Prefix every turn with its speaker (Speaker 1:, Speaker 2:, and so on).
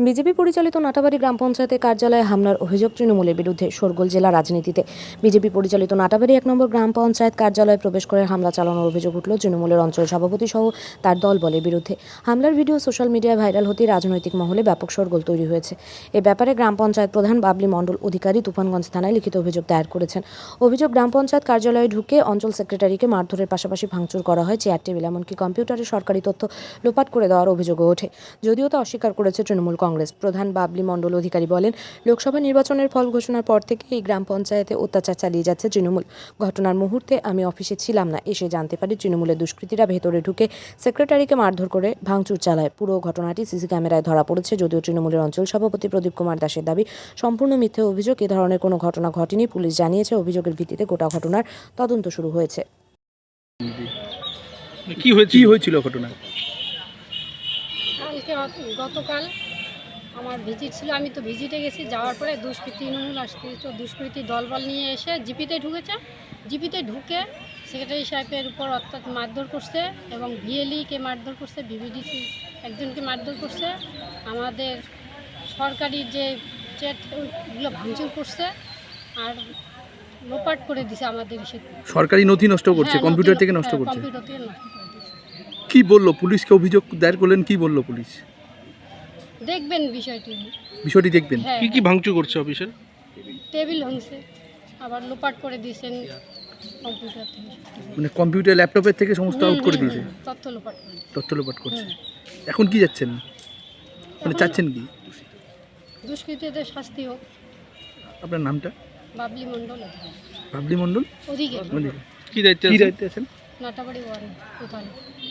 Speaker 1: BJP পরিচালিত নাটাবাড়ি গ্রাম পঞ্চায়েতের কার্যালয়ে হামলার অভিযোগ তৃণমূলের বিরুদ্ধে। শোরগোল জেলা রাজনীতিতে। বিজেপি পরিচালিত নাটাবাড়ি 1 নম্বর গ্রাম পঞ্চায়েত কার্যালয়ে প্রবেশ করে হামলা চালানোর অভিযোগ উঠল তৃণমূলের অঞ্চল সভাপতি সহ তার দলবলের বিরুদ্ধে। হামলার ভিডিও সোশ্যাল মিডিয়ায় ভাইরাল হতেই রাজনৈতিক মহলে ব্যাপক শোরগোল তৈরি হয়েছে। এ ব্যাপারে গ্রাম পঞ্চায়েত প্রধান বাবলি মণ্ডল অধিকারী তুফানগঞ্জ থানায় লিখিত অভিযোগ দায়ের করেছেন। অভিযোগ, গ্রাম পঞ্চায়েত কার্যালয়ে ঢুকে অঞ্চল সেক্রেটারিকে মারধরের পাশাপাশি ভাঙচুর করা হয় চেয়ার টেবিল, এমনকি কম্পিউটারে সরকারি তথ্য লোপাট করে দেওয়ার অভিযোগও ওঠে। যদিও তা অস্বীকার করেছে তৃণমূল কংগ্রেস। প্রধান বাবলি মণ্ডল অধিকারী বলেন, লোকসভা নির্বাচনের ফল ঘোষণার পর থেকে এই গ্রাম পঞ্চায়েতে অত্যাচার চালিয়ে যাচ্ছে তৃণমূল। ঘটনার মুহূর্তে আমি অফিসে ছিলাম না, এসে জানতে পারি তৃণমূলের দুষ্কৃতীরা ভেতরে ঢুকে সেক্রেটারিকে মারধর করে ভাঙচুর চালায়। পুরো ঘটনাটি সিসি ক্যামেরায় ধরা পড়েছে। যদিও তৃণমূলের অঞ্চল সভাপতি প্রদীপ কুমার দাসের দাবি সম্পূর্ণ মিথ্যে অভিযোগ, এ ধরনের কোনো ঘটনা ঘটেনি। পুলিশ জানিয়েছে অভিযোগের ভিত্তিতে গোটা ঘটনার তদন্ত শুরু হয়েছে।
Speaker 2: কি হয়েছিল ঘটনা?
Speaker 3: গতকাল আমার ভিজিট ছিল, আমি তো ভিজিটে গেছি। যাওয়ার পরে তৃণমূল আসতে তো দুষ্কৃতী দলবল নিয়ে এসে জিপিতে ঢুকেছে। জিপিতে ঢুকে সেক্রেটারি সাহেবের উপর অত্যাচার মারধর করছে এবং ভিএলইকে মারধর করছে, বিবিডিসি একজনকে মারধর করছে। আমাদের সরকারি যে চেটগুলো ভাঙচুর করছে আর লোপাট করে দিছে আমাদের
Speaker 2: সরকারি নথি নষ্ট করছে, কম্পিউটার থেকে নষ্ট করছে।
Speaker 3: কম্পিউটার থেকে নষ্ট করে দিছে।
Speaker 2: কি বললো পুলিশকে? অভিযোগ দায়ের করলেন, কি বললো পুলিশ?
Speaker 3: দেখবেন বিষয়টি
Speaker 2: দেখবেন। কি কি ভাঙচুর করছে অফিসের?
Speaker 3: টেবিল ভাঙছে, আবার লোপাট করে দিয়েছেন কম্পিউটার থেকে,
Speaker 2: মানে কম্পিউটার ল্যাপটপের থেকে সমস্ত আউট করে দিয়েছে,
Speaker 3: তথ্য লোপাট
Speaker 2: করছে। এখন কি যাচ্ছেন, মানে চাচ্ছেন কি?
Speaker 3: দুষ্কৃতীদের শাস্তি হোক।
Speaker 2: আপনার নামটা?
Speaker 3: বাবলি মণ্ডল।
Speaker 2: বাবলি মণ্ডল
Speaker 3: অধিকারী।
Speaker 2: কি দায়িত্বে আছেন?
Speaker 3: নাটাবাড়ি 1 প্রধান।